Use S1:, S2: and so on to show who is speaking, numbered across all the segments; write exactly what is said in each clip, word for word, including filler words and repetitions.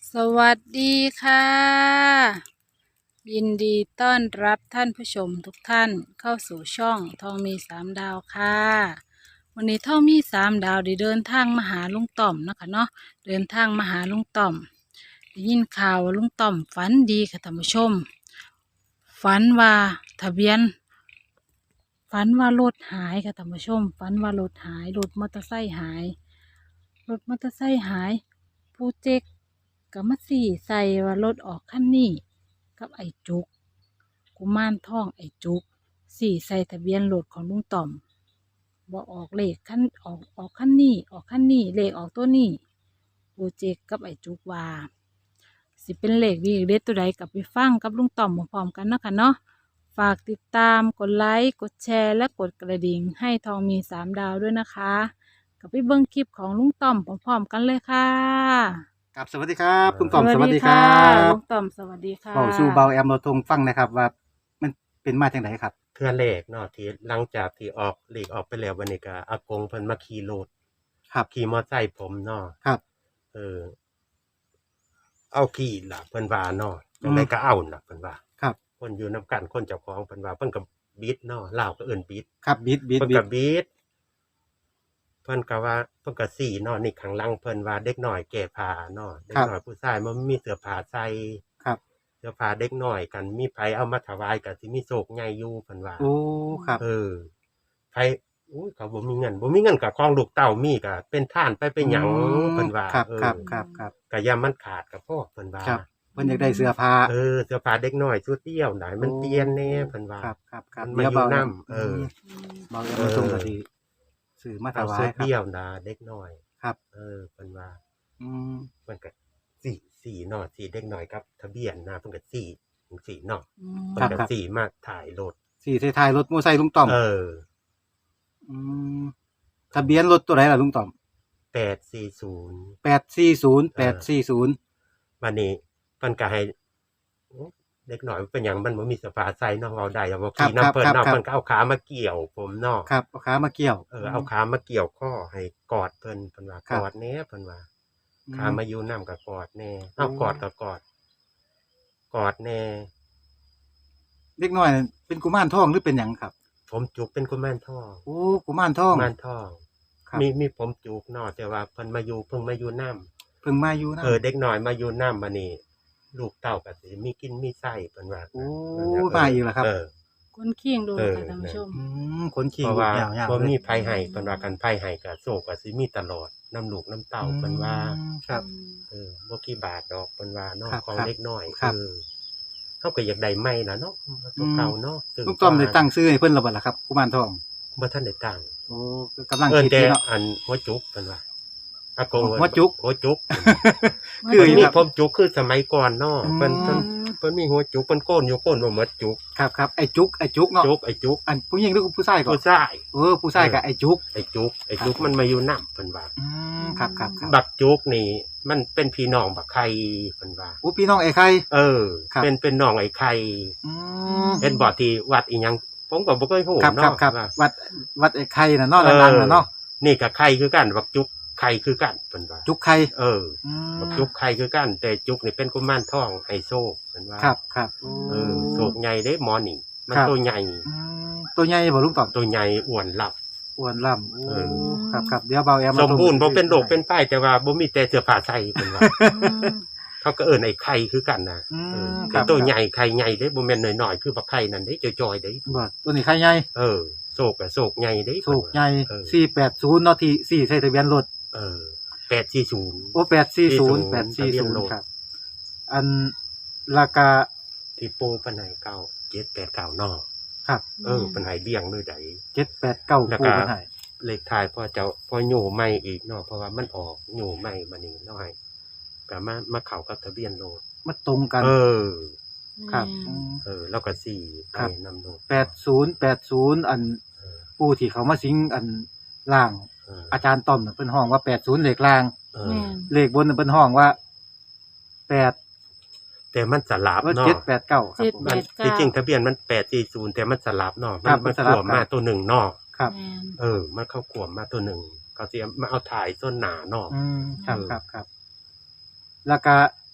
S1: สวัสดีค่ะยินดีต้อนรับท่านผู้ชมทุกท่านเข้าสู่ช่องทองมีสามดาวค่ะวันนี้ทองมีสามดาวได้เดินทางมาหาลุงต่อมนะคะเนาะเดินทางมาหาลุงต่อมได้ยินข่าวว่าลุงต่อมฝันดีค่ะท่านผู้ชมฝันว่าทะเบียนฝันว่ารถหายค่ะท่านผู้ชมฝันว่ารถหายรถมอเตอร์ไซค์หายรถมอเตอร์ไซค์หายผู้เจ๊ก ก็มาสี่ใส่ว่ารถออกคันนี้กับไอ้จุกกุมารทองไอ้จุกสี่ใส่ทะเบียนรถของลุงต่อมบ่ออกเลขคันออกออกคันนี้ออกคันนี้เลขออกตัวนี้โปรเจกกับไอ้จุกว่าสิเป็นเลขดีเด็ดตัวใดกลับไปฟังกับลุงต่อมพร้อมๆกันเนาะค่ะเนาะฝากติดตามกดไลค์กดแชร์และกดกระดิ่งให้ทองมีสามดาวด้วยนะคะกลับไปเบิ่งคลิปของลุงต่อมพร้อมๆกันเลยค่ะ
S2: ครับสวัสดีครับคุณต่อม
S1: ส
S2: ส
S1: วั
S2: วั
S1: ส
S2: ส
S1: ดี
S2: ดีค
S1: ค่ะ
S2: รับ
S1: ลุงต่อมสวัสดีค่ะ
S2: บอกสู่เบาแอมเราทงฟังนะครับว่ามันเป็นมาจากไหนครับ
S3: เทื่อเลขเนาะที่หลังจากที่ออกเลขออกไปแล้ววันนี้ก็อากงเพิ่นมาขี่รถ
S2: ครับ
S3: ขี่มอไซค์ผมเนาะ
S2: ครับ
S3: เออ เอาขี่ล่ะเพิ่นว่าเนาะจังไดก็เอาล่ะเพิ่นว่า
S2: ครับ
S3: คนอยู่นํกันคนเจ้าของเพิ่นว่าเพิ่นก็บิดเนาะลาวก็เอิ้นบิด
S2: ครับบิดบิด
S3: เพิ่น
S2: บิ
S3: ก็
S2: ด
S3: บิดเพิ่นก็ว่าเพิ่นก็สี่เนาะนี่ข้างหลังเพิ่นว่าเด็กน้อยแก่ผ้าเนาะเด็กน้อยผู้ชายมันมีเสื้อผ้าใส่
S2: ครับ
S3: เสื้อผ้าเด็กน้อยกันมีไผเอามาถวายก็สิมีโชคใหญ่อยู่เพิ่นว่า
S2: โอ้ครับ
S3: เออไผอุ้ยเขาบ่มีเงินบ่มีเงินก็ของลูกเต้ามีก็เป็นทานไปเป็นหยังเพิ่นว่า
S2: ครับ
S3: เออ
S2: ครับครับครับ
S3: ก็อย่ามันขาดก็พอเพิ่นว่า
S2: ครับเพิ่นอยากได้เสื้อผ้า
S3: เออเสื้อผ้าเด็กน้อยชุดเดียวได้มันเปลี่ยนแน่เพิ่นว่า
S2: ครับครับครับ
S3: มันมาอยู่
S2: เบา
S3: นํเออ
S2: เบาแอมเราทงก็สิซื้อมาถ
S3: เอา
S2: วา
S3: ชุ
S2: ย
S3: ด
S2: ครับ
S3: เดียวนะเด็กน้อย
S2: ครับ
S3: เออเพิ่นว่า
S2: อืม
S3: มันก็สี่สี่เนาะสี่เด็กน้อยครับทะเบียนนะเพิ่นก็สี่สี่เนาะ
S1: อืม
S3: เพิ่นก็สี่มาถ่ายรถ
S2: สี่ท้ายๆรถมอเตอร์ไซค์ลุงต่อม
S3: เออ
S2: อืมทะเบียนรถตัวไหนล่ะลุงต่อม
S3: แปดสี่ศูนย์
S2: แปดสี่ศูนย์ แปดสี่ศูนย์
S3: วันนี้เพิ่นก็ให้โอ้เด็กน้อยเป็นหยังมันบ่มีเสื้อผ้าใส่เนาะเว้าได้เอาบ่ขี่นำเพิ่นเนาะเพิ่นก็เอาขามาเกี่ยวผมเนาะ
S2: ครับเอาขามาเกี่ยว
S3: เออเอาขามาเกี่ยวข้อให้กอดเพิ่นเพิ่นว่า
S2: ครั
S3: ก
S2: บ
S3: อดแหน่เพิ่นว่า
S2: อื
S3: ขามาอยู่นํก็กอดแหน่เอา
S2: โอ้
S3: กอดก็กอด กอดแหน่
S2: เด็กน้อยนั่นเป็นกุมารทองหรือเป็นหยังครับ
S3: ผมจุกเป็นกุมารทอง
S2: โอ้กุมารทอง
S3: กุมารทอง
S2: ครับ
S3: มีมีผมจุกเนาะแต่ว่าเพิ่นมาอยู่เพิ่งมาอยู่นํ
S2: เพิ่งมาอยู่นะ
S3: เออเด็กน้อยมาอยู่นํบัดนี้ ลูกเต้าก็สิมีกินมีใช้เพิ่นว่า
S2: โอ้
S3: เพิ่นว่
S2: มาอีกแล้วครับ
S3: เออ
S1: คนเคียงดู
S3: เออ
S1: ค่ะท่านผู้ชม
S2: อืมขนขิง
S3: เพราะว่า
S2: ลุกยาวๆ
S3: บ่
S2: เลย
S3: มีภัยให้เพิ่นว่ากันภัยให้ก็โชคก็สิมีตลอดน้ำลูกน้ำเต้าเพิ่นว่า
S2: อืมครับ
S3: เออบ่กี่บาทดอกเพิ่นว่าเนาะ
S2: ครับ
S3: ของ
S2: ครับ
S3: เล็กน้อย
S2: ครับ
S3: เออเฮาก็อยากได้ใหม่ล่ะเนาะตัวเก่าเนาะซึ่ง
S2: ลุงต้อมได้ตั้งชื่อให้เพิ่นแล้วบ่ล่ะครับกุมารทอง
S3: บ่ทันได้ตั้ง
S2: โอ้กำลัง
S3: เอิ้น
S2: คิด
S3: แต่
S2: อยู่เนาะ
S3: อันหัวจุกเพิ่นว่าอากง
S2: หัวจุก
S3: หัวจุก
S2: คือ
S3: เพิ่น
S2: อยู่
S3: มี
S2: ครับ
S3: ผมจุกคือสมัยก่อนเนาะ
S2: อืม
S3: เพิ่นเพิ่นเพิ่นมีหัวจุกเพิ่นโกนอยู่โกนบ่หมดจุก
S2: ครับครับไอ้จุกไอ้จุกเนาะ
S3: จุกไอ้จุก
S2: อันผู้หญิงหรือผู้ชายก่อน
S3: ผู้ชาย
S2: เออผู้ชายกับไอ้จุก
S3: ไอ้จุกไอ้จุกมันมาอยู่นํเพิ่นว่า
S2: อืมครับครับครับ
S3: บักจุกนี่มันเป็นพี่น้องบักไข่เพิ่นว่า
S2: โอ้พี่น้องไอ้ไข่
S3: เออ
S2: ครับ
S3: เป็นเป็นน้องไอ้ไข่
S2: อืม
S3: เห็นบ่ที่วัดอีหยังผมก็บ่เคยฮู้
S2: ครับครับ
S3: เนาะ
S2: ครับ
S3: ว่า
S2: วัดวัดไอ้ไข่น่ะเนาะ
S3: เออ
S2: ดังๆน่ะเนาะ
S3: นี่ก็ไข่คือกันบักจุกไข่คือกันเพิ่นว่า
S2: จุกไข่
S3: เออ
S2: อืม
S3: บักจุกไข่คือกัน แต่จุกนี่เป็นกุมารทองไฮโซเพิ่นว่า
S2: ครับครับโอ้
S3: เออโศกใหญ่เด้หมอนี่มัน
S2: ครับ
S3: ตัวใหญ่
S2: อืมตัวใหญ่บ่ลุงต้อม
S3: ตัวใหญ่อ้วนลับ
S2: อ้วนล่ำโอ้
S3: เออ
S2: ครับครับเดี๋ยวเบาแอม
S3: สมบูรณ์บ่เป็นโรคเป็นไข้แต่ว่าบ่มีแต่เสื้อผ้าใส่เพิ่นว่า เขาก็เอิ้นไอ้ไข่คือกันนะ
S2: อื
S3: เออ
S2: มค
S3: แต่
S2: รับ
S3: ตัวใหญ่ไข่ใหญ่เด้บ่แม่นน้อยๆคือบักไข่นั่นเด้จอยๆเด้
S2: บ่ตัวนี้ไข่ใหญ่
S3: เออโศกก็โศกใหญ่เด้
S2: โศกใหญ่
S3: เออ
S2: สี่แปดศูนย์เนาะที่สี่ใส่ทะเบียนรถ
S3: เออแปดสี่ศูนย์
S2: โอ้แปดสี่ศูนย์แปด
S3: ทะ
S2: สี่
S3: เบีย
S2: ศู
S3: น
S2: นย์
S3: รถ
S2: ครับ อันราคา
S3: ที่ปูปันไหนเก่าเจ็ดแปดเก่านอ
S2: ครับ
S3: เออปันไหนเลี้ยงด้วยใด
S2: เจ็ดแปดเก้า
S3: แล้ว
S2: ปู
S3: ก็
S2: กันให้
S3: เลขท้ายพ่อเจ้าพ่อโย่ไม่อีกเนาะเพราะว่ามันออกโย่ไม่มานี่เนาะให้ก็มามาเข้ากับทะเบียนรถ
S2: มาตรงกัน
S3: เออ
S2: ครับอืม
S3: เออ แล้วก็สี่ไป
S2: ครับ
S3: นำรถ
S2: แปดศูนย์แปดศูนย์อัน
S3: เออ
S2: ปูที่เขามาสิงอันล่าง
S3: เออ
S2: อาจารย์ต้อมน่ะเพิ่นห้องว่าแปดศูนย์เลขล่าง
S3: เอ
S1: แม่
S3: อน
S2: เลขบนน่ะเพิ่นห้องว่าแปด
S3: แต่มันสลับ
S2: ว่า
S3: เนาะ
S2: เจ็ดแปดเก้าครับ
S1: เจ็ด
S2: ผม
S1: แป
S3: มัน
S1: ดเก้า
S3: ที่จริงทะเบียนมันแปดสี่ศูนย์แต่มันสลับเนาะ
S2: ครับ
S3: มัน
S2: มันสลับ
S3: ขวม
S2: ครั
S3: มา
S2: บ
S3: ตัวหนึ่งเนาะ
S2: ครับ
S1: แม่น
S3: เออมันเข้าขวมมาตัวหนึ่งเขาสิมาเอาถ่ายส้นหนาเนาะ
S2: อืมครับ
S3: เออ
S2: ครับครับแล้วก็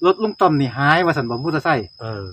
S2: รถลุงต้อมนี่หายว่าซั่นบ่มอเตอร์ไซค์
S3: เออ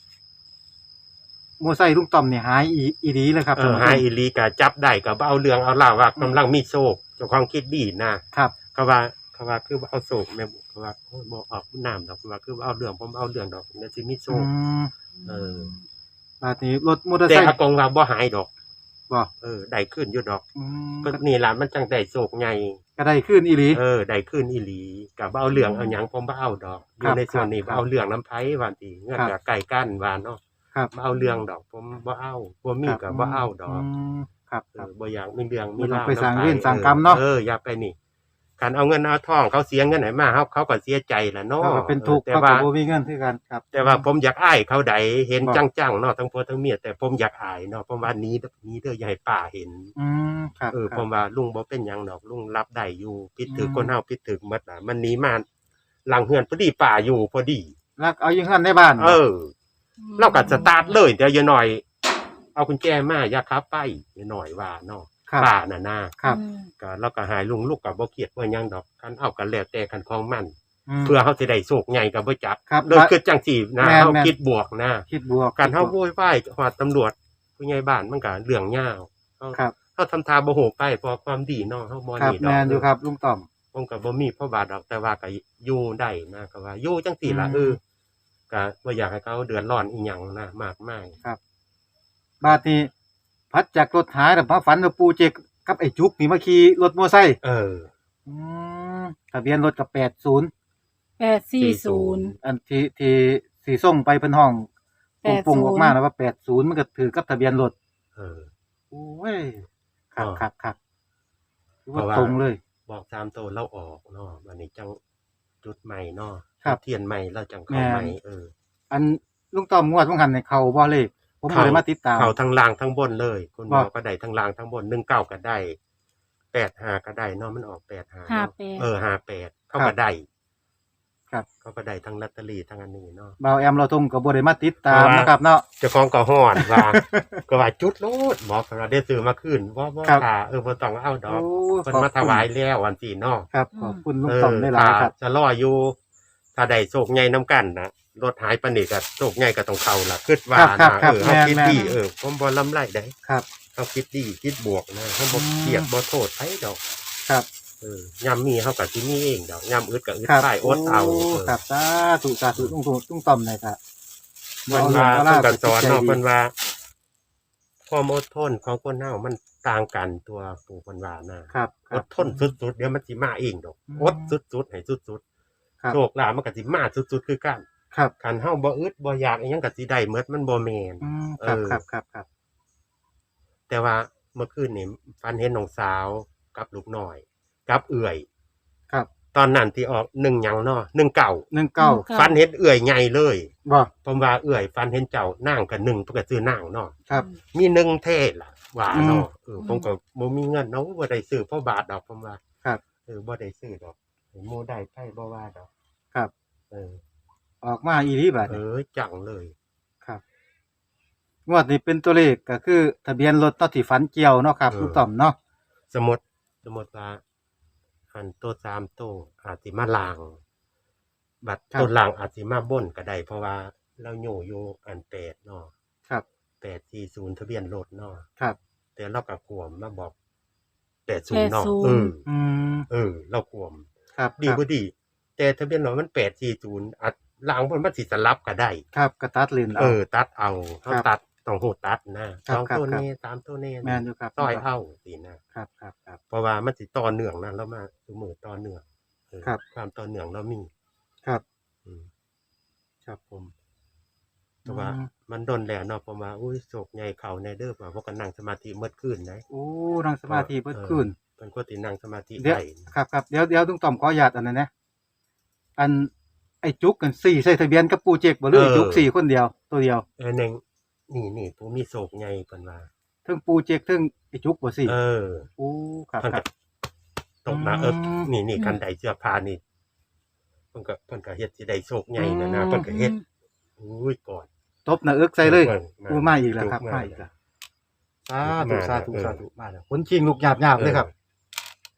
S2: มอเตอร์ไซค์ลุงต้อมนี่หายอีอีหลีเลยครับ
S3: เออหายอีหลีก็จับได้ก็บ่เอาเรื่องเอาราวว่ากำลังมีโชคเจ้าของคิดดีนะครับ เขาว่าเขาว่าคือบ่เอาโชคแม่เขาว่าโอ้ยบ่ออกน้ำดอกเขาว่าคือบ่เอาเรื่องผมเอาเรื่องดอกเดี๋ยวสิมีโช
S2: อื
S3: ค
S2: ม
S3: เออ
S2: บาดนี้รถมอเตอร์
S3: แต่
S2: ไซค์
S3: อากงว่าบ่หายดอก
S2: บ่
S3: เออได้ขึ้นอยู่ดอก
S2: อืม
S3: ก็นี่ล่ะมันจังได้โชคใหญ่
S2: ก็ได้ขึ้นอีหลี
S3: เออได้ขึ้นอีหลีก็บ่เอาเรื่องเอาหยังผมบ่เอาดอกอ
S2: ครั
S3: ยู่
S2: บ
S3: ในส่วนนี้
S2: ครับ
S3: บ่เอาเรื่องน้ำไผว่าติเงื่อน
S2: ครับ
S3: ก็ใกล้กันว่าเนาะ
S2: ครับ
S3: บ่เอาเรื่องดอกผมบ่เอาบ่มีก็บ่เอาดอก
S2: มครับ
S3: เอ
S2: ครับ
S3: อบ่อยากมีเรื่องมี
S2: บ่ต้อง
S3: ราว
S2: ไปสร้าง
S3: นำ
S2: เวรสร้างกรรมเนาะ
S3: เอออย่าไปนี่การเอาเงินเอาทองเขาเสียเงินไหนมาเขาเขาก็เสียใจล่ะเนาะ
S2: เขาก็เป็นทุกข์
S3: แต่
S2: เขาก็
S3: ว่า
S2: บ่มีเงินคือกันครับ
S3: แต่ว่าผมอยากอ้ายเขาใดเห็น
S2: บ่
S3: จังๆเนาะทั้งพ่อทั้งเมียแต่ผมอยากอายเนาะผมว่าหนี้นี้เด้ออย่าให้ป้าเห็น
S2: อืมครับ
S3: เออ
S2: ค
S3: ผ
S2: รับ
S3: มว่าลุงบ่เป็นหยังดอกลุงรับได้อยู่ผิดถือ
S2: อืม
S3: คนเฮาผิดถือหมดน่ะมันหนีมาหลังเฮือนพอดีป้าอยู่พอดี
S2: แล้วเอาอยู่เฮือนในบ้าน
S3: เออ เราก็สตาร์ทเลยเดี๋ยวอย่าหน่อย เอากุญแจมาอย่าขับไปอย่าหน่อยว่าเนาะ
S2: ครับ
S3: ป้าน่ะนะครับ
S1: อืม
S3: ก็เราก็หายลุงลูกก็บ่เครียดว่าหยังดอกคันเอากันแล้วแต่คันของมัน
S2: ม
S3: เพื่อเฮาสิได้โชคใหญ่ก็บ่จับ
S2: ครับ
S3: เลยคือจังซี่นะ
S2: แม่น
S3: เฮา
S2: แม่น
S3: คิดบวกนะ
S2: คิดบวก
S3: การเฮา
S2: คิด
S3: โว
S2: บวก
S3: ยวายฮอดตำรวจผู้ใหญ่บ้านมันก็เรื่องยาวเฮา
S2: ครับ
S3: เฮาทำทาบ่โหไปเพราะความดีเนาะเฮาบ่
S2: ครับ
S3: นี่ดอก
S2: แม่นอยู่ครับลุงต้อม
S3: ผมก็บ่มีพ่อบาทดอกแต่ว่าก็อยู่ได้นะก็ว่าอยู่จังซี่ล่ะ
S2: อืม
S3: เออก็บ่อยากให้เขาเดือดร้อนอีหยังนะมากมาย
S2: บาดนี้พัดจากรถหายแล้วมาฝันว่าปู่เจกกับไอ้จุกนี่มาขี่รถมอเตอร์ไซค์
S3: เออ
S2: อืมทะเบียนรถก็แปดสิบ
S1: แปดสี่ศูนย์
S2: อันที่ที่สีส่งไปเพิ่นห้อง
S1: แปดศูนย์
S2: ปุ่งๆออกมาแล้วว่าแปดสิบมันก็ถือกับทะเบียนรถ
S3: เออ
S2: โอ้ยครับ
S3: อ๋อ
S2: ครับครับถือว่า
S3: เพราะว่า
S2: ตรงเลย
S3: บอกตามโตวเราออกเนาะวันนี้จังจุดใหม่เนาะ
S2: ครับ
S3: เทียนใหม่เราจังเข้า
S2: แม่น
S3: ใหม่เออ
S2: อันลุงต้อมงวดของหันในเขาบ่เลขผมบ่ได้มาติดตาม
S3: เข้าทั้งล่างทั้งบนเลยคุณหมอ
S2: ว่า
S3: ก็ได้ทั้งล่างทั้งบนหนึ่งเก้าก็ได้แปดห้าก็ได้เนาะมันออกแปดห้า
S1: ห้า
S3: เนาะ
S1: แปด
S3: เออห้าแปดเขา
S2: ครั
S3: ก็
S2: บ
S3: ได้
S2: ครับ
S3: เขาก็ได้ทั้งลอตเตอรี่ทั้งอันนี้เนาะ
S2: บ่าวแอมเราทงก็บ่ได้มาติดตาม
S3: เพราะว่า
S2: นะครับเนาะ
S3: เจ้าของก็ฮ้อนว่า ก็ว่าจุดโลดหมอก็ว่าได้ซื้อมาคืนบ่บ่
S2: ครับ
S3: ค่ะเออบ่ต้องเอาด
S2: โอ้
S3: อกเพิ่น
S2: ขอบ
S3: มา
S2: คุณ
S3: ถวายแล้ววันที่เนาะ
S2: ครับขอบคุณลุง
S3: เอ
S2: ต้อม
S3: อ
S2: ได้หลายๆครับ
S3: ถ้าจะรออยู่ ถ้าได้โชคใหญ่นํกันนะรถหายปานนี้ก็โชคใหญ่ก็ต้องเข้าล่ะคิดว่า
S2: ครับ
S3: นะครับ เออเฮา
S2: แม่น
S3: คิด
S2: แม่น
S3: ดีเออผมบ่ลำไรได้
S2: ครับ
S3: เฮาคิดดีคิดบวกนะเฮาบ่
S2: อืม
S3: เกลียดบ่โทษไผดอก
S2: ครับ
S3: เออยามมีเฮาก็สิมีเองดอกยามอึดก็อึด
S2: ครับ
S3: ไปอดเอา
S2: โ
S3: เออ
S2: ครับสาธุสาธุลุงลุงต้อมเลยครับ
S3: เพิ่นว่า
S2: บ่
S3: เพิ่น
S2: เอา
S3: ก็
S2: เรื่อง
S3: สอน
S2: เอา
S3: เนาะ
S2: ล่ะ
S3: เพิ่นว่าความอดทนของคนเฮามันต่างกันตัวปู่เพิ่นว่านะครับ
S2: ค
S3: อ
S2: รับ
S3: ดทนสุดๆเดี๋ยวมันสิมาเองดอก
S2: อืม
S3: อดสุดๆให้สุด
S2: ครับ
S3: ๆโชคลาภมันก็สิมาสุดๆคือกัน
S2: ครับ
S3: คันเฮาบ่อึดบ่อยากอีหยังก็สิได้หมดมันบ่แม่น
S2: อืมครับ
S3: เออ
S2: ครับครับครับ
S3: แต่ว่าเมื่อคืนนี่ฝันเห็นน้องสาวกับลูกน้อย กับเอื่อย
S2: ครับ
S3: ตอนนั้นที่ออกหนึ่งหยังเนาะหนึ่งเก่า
S2: หนึ่งเก้า
S3: ฝันเห็นเอื่อยใหญ่เลย
S2: บ่
S3: ผมว่าเอื่อยฝันเห็นเจ้านางกับหนึ่งเพิ่นก็ซื้อนางเนาะ
S2: ครับ
S3: มีหนึ่งเทศล่ะว่าเนาะเออ
S1: อืม
S3: ผมก็บ่มีเงินเนาะบ่ได้ซื้อเพราะบาทดอกผมว่า
S2: ครับ
S3: เออบ่ได้ซื้อดอกหมู่ได้ไผบ่ว่าดอก
S2: ครับ
S3: เออ
S2: ออกมาอีหลีบัด
S3: เอ
S2: นี้
S3: อจังเลย
S2: ครับงวดนี้เป็นตัวเลขก็คือทะเบียนรถเนาะที่ฝันเกี่ยวเนาะครับลุงต้อมเนาะ
S3: สมมุติสมมุติว่าอันตัวสามตัวอาจสิมาลาง บัตรตัวลางอาจสิมาบนก็ได้เพราะว่าเราอยู่อยู่อันแปดเนาะ
S2: ครับ
S3: แปดสี่ศูนย์ทะเบียนรถเนาะ
S2: ครับ
S3: แต่เราก็ขวมมาบอกแปดศูนย์เนาะ
S1: แปดศูนย์
S3: เออ
S2: อืม
S3: เออ เราขวม
S2: ครับ
S3: ดี
S2: ครับ
S3: บ่ดี แต่ทะเบียนรถมันแปดสี่ศูนย์อัดลางบนมันสิสลับก็ได้
S2: ครับกระตัดเลน
S3: เอ
S2: เอา
S3: อ ตัดเอาเขา
S2: ครับ
S3: ตัดต้องโหดตัดนะครับ สอง
S2: ครับ
S3: ตัว
S2: ครับ
S3: นี้สามตัวนี้
S2: แม่นอยู่ครับ
S3: ต่อยเอาสินะครับ
S2: ครับครับ
S3: เพราะว่ามันสิต่อเนื่องนะแล้วมาสมือต่อเนื่องเออ
S2: ครับ
S3: ความต่อเนื่องเรามี
S2: ครับ
S3: อืม
S2: ครับผม
S3: แต่ว่า
S2: อืม
S3: มันโดนแล้วเนาะผมว่าอุ้ยโศกใหญ่เขาในเด้อว่าพวกกันนั่งสมาธิเมื่อคืนไหน
S2: โอ้นั่งสมาธิเบิดคืน
S3: เป็นคนที่นั่งสมาธิ
S2: เดี๋ยว
S3: ได้
S2: ครับครับเดี๋ยวเดี๋ยวลุงต้อมขออนุญาตอันนั้นนะอันไอ้จุกกันสี่ใส่ทะเบียนกับปูเจกบ่หรือไอ้จุกสี่คนเดียวตัวเดียว
S3: เออหนึ่งนี่นี่ผมมีโศกใหญ่เพิ่นว่า
S2: เทั้งปูเจกเทั้งไอ้จุกบ่สี่
S3: เออ
S2: โอ้ครับ
S3: เพิ่น
S2: ครั
S3: ก็
S2: บ
S3: ตกมาเออ
S2: อืม
S3: นี่นี่คันใดเสื้อผ้านี่เพิ่นก็เพิ่นก็เฮ็ดสิได้โศกใหญ่นะนะ
S2: อืม
S3: เพิ่นก็เฮ็ดอุ้ยก่อน
S2: ตบหน้าเอิกใส่เลย
S3: เพิ่น
S2: โอ้มาอีกแล้วครับ
S3: จุ
S2: มาอีกแล้วสาธุ
S3: มา
S2: สาธุ
S3: เออ
S2: สาธุมาแล้วคนชิงลูกหยาบๆเลยครับ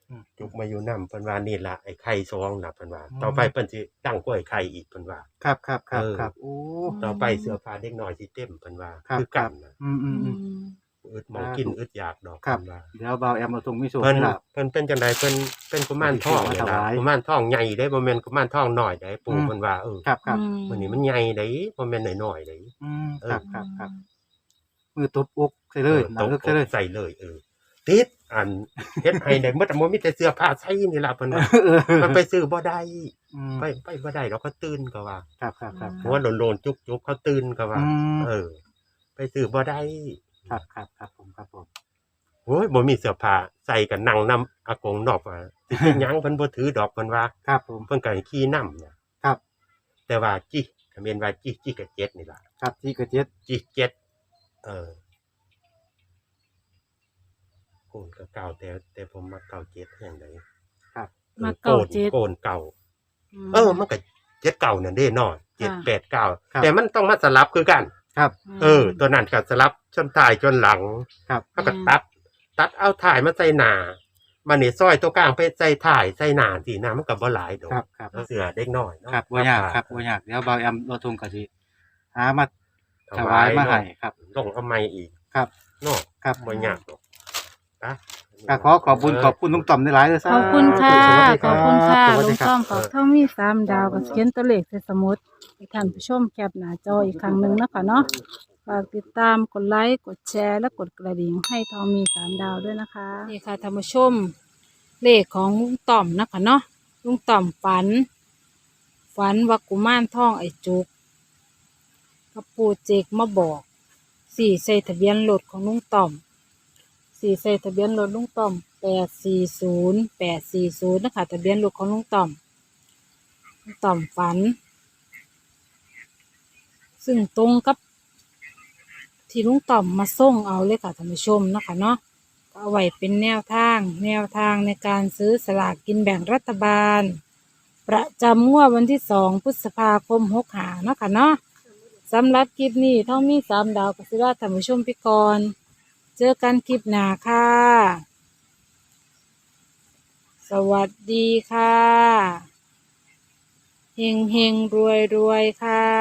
S2: อืม
S3: จุกมาอยู่นำเพิ่นว่านี่ล่ะไอ้ไข่ซองน่ะเพิ่นว่า
S2: อืม
S3: ต่อไปเพิ่นสิตั้งกล้วยไข่อีกเพิ่นว่า
S2: ครับครับครับ
S3: เออ
S2: ครับโอ้
S3: ต่อไปเสื้อผ้าเด็กน้อยสิเต็มเพิ่นว่า
S2: ครับ
S3: คือ
S2: ครั
S3: กับ นน่ะ
S2: อืมอืมอืม
S3: อึดหมองกินอึดอยากดอก
S2: ครับ
S3: เพิ่นว่า
S2: เดี๋ยวบ่าวแอมเอาตรงมิโซะ
S3: เพิ่น
S2: ให้ลาบ
S3: เพิ่นเป็นจังไดเพิ่นเป็นกุมารทองนี่ล่ะ
S2: ถวาย
S3: กุมารทองใหญ่เด้บ่แม่นกุมารทองน้อยเด้ปู่
S2: อืม
S3: เพิ่นว่าเออ
S2: ครับครับ
S3: มื้อนี้มันใหญ่เด้บ่แม่นน้อยๆเด้
S2: อืม
S3: เออ
S2: ครับครับครับมือตบอกใส่เลย
S3: ออ
S2: หนังเลิกใส่เลย
S3: ใส่เลยเออติดอันเฮ็ดให้ได้หมดอะบ่มีแต่เสื้อผ้าใส่นี่ล่ะเพิ่นว่า
S2: เออ
S3: มันไปซื้อบ่ได้
S2: อืม
S3: ไปไปบ่ได้ดอกเขาตื่นก็ว่า
S2: ครับครับครับ
S3: หัวโลนๆจุกๆเขาตื่นก็ว่า
S2: อืม
S3: เออ ไปซื้อบ่ได้
S2: ครับครับครับผมครับผม
S3: โอ้ยบ่มีเสื้อผ้าใส่ก็นั่งนำอากงนอกว่าสิเป็นหยังเพิ่นบ่ถือดอกเพิ่นว่า
S2: ครับผม
S3: เพิ่นก็ให้ขี่นำเนี่ย
S2: ครับ
S3: แต่ว่าจิถ้าแม่นว่าจิจิก็เจ็ดนี่ล่ะ
S2: ครับที่กระเจ็ด
S3: จิเจ็ดเออโกนก็เก่าแต่แต่ผมมักเก่าเจ็ดแห่งใด
S2: ครับ
S3: ออ
S1: มักเก่าเจ็ด
S3: โกนเก่า เออ มันก็เจ็ดเก่านั่นเด้เนาะเจ็ด
S1: ค่ะ
S3: แปดเก้า
S2: ครับ
S3: แต่มันต้องมาสลับคือกัน
S2: ครับ
S3: เออ ตัวนั้นก็สลับจนท้ายจนหลัง
S2: ครับ
S3: เขาก็ตัด ตัดเอาถ่ายมาใส่หน้ามันนี่ซอยตัวกลางไปใส่ถ่ายใส่หน้าสินะมันก็บ่หลายดอก
S2: ครับครับ
S3: เสือเด็กน้อยเนาะ
S2: ครับบ่ยากครับบ่ยากเดี๋ยวบ่าวแอมเราทงกะสิหามาถวายมาให้ครับ
S3: ลงเอาไม้อีก
S2: ครับ
S3: เนาะ
S2: ครับ
S3: บ่ยากดอกนะ
S2: ก็ขอขอบคุณขอบคุณลุงต่อมหลายๆเลยซะ
S1: ขอบคุณค่ะ
S2: สวัสดี
S1: ขอบคุณค่ะ
S2: สวัส
S1: ลุ
S2: ดี
S1: ง
S2: ครับ
S1: ต้อมขอบเท่ามีสามดาวกับเขียนตัวเลขใส่สมุดให้ท่านผู้ชมแคปหน้าจออีกครั้งหนึ่งนะคะเนาะฝากติดตามกดไลค์กดแชร์และกดกระดิ่งให้ทองมีสามดาวด้วยนะคะนี่ค่ะท่านผู้ชมเลขของลุงต่อมนะคะเนาะลุงต่อมฝัน ฝันว่ากุมารทองไอจุกกับปูเจกมาบอกสี่ใส่ทะเบียนรถของลุงต่อมสี่ใส่ทะเบียนรถลุงต่อมแปดสี่ศูนย์แปดสี่ศูนย์นะคะทะเบียนรถของลุงต่อมลุงต่อมฝัน ซึ่งตรงกับที่ลุงต่อมมาส่งเอาเลยค่ะท่านผู้ชมนะคะเนาะก็เอาไว้เป็นแนวทาง แนวทางในการซื้อสลากกินแบ่งรัฐบาล ประจำงวดวันที่สองพฤษภาคมหกหาเนาะค่ะเนาะสำหรับคลิปนี้ท่องมีสามดาวกับสิราท่านผู้ชมพิกร เจอกันคลิปหน้าค่ะ สวัสดีค่ะ เฮงเฮงรวยรวยค่ะ